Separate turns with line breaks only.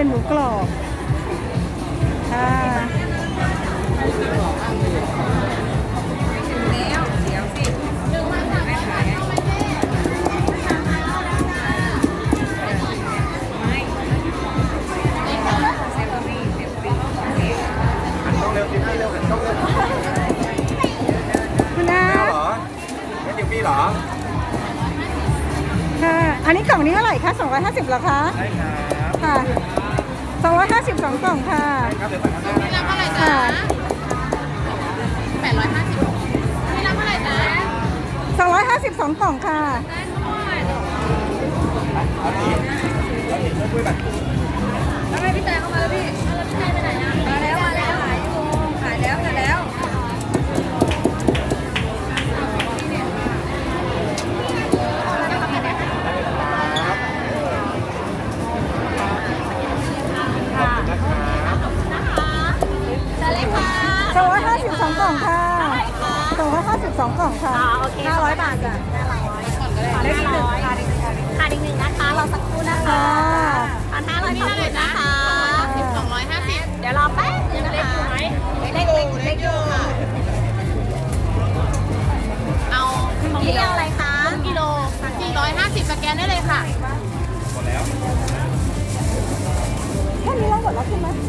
เป็นหมูกรอบค่ะคุณนะ
เหรอไม่จิ๋วพี่เหรอ
ค่ะอันนี้กล่องนี้เท่าไหร่คะ250เหรอคะ
ใช่ครับ
ค่ะ250 2กล่องค่ะ
ครับเดี๋ยวสั่งข้างหน้านะ
เท่าไหร่จ๊ะ850ไม่รับเท่าไหร่จ๊ะ
250 2กล่องค่ะ
คุยแบบ
แล้วให้พี่แตงเข้ามาแล้วพี่แล้วพี่แตงไปไหนนะมาแล้วขายแล้วจะเล็กค่ะ
250 2กล่องค่ะ250 2กล่องค่ะ
โอเค500 บาทจ้ะ500ขาดอีกหนึ่งนะคะเราสักครู่นะคะ1,500ขอบคุณนะคะ250เดี๋ยวรอแป๊บนึงนะคะเล็กอยู่ค่ะเอาของพี่เอาอะไรคะกิโล450สแกนได้เลยค่ะ
หมดแล้ว
แค่นี้เราหมดแล้วใช่ไหม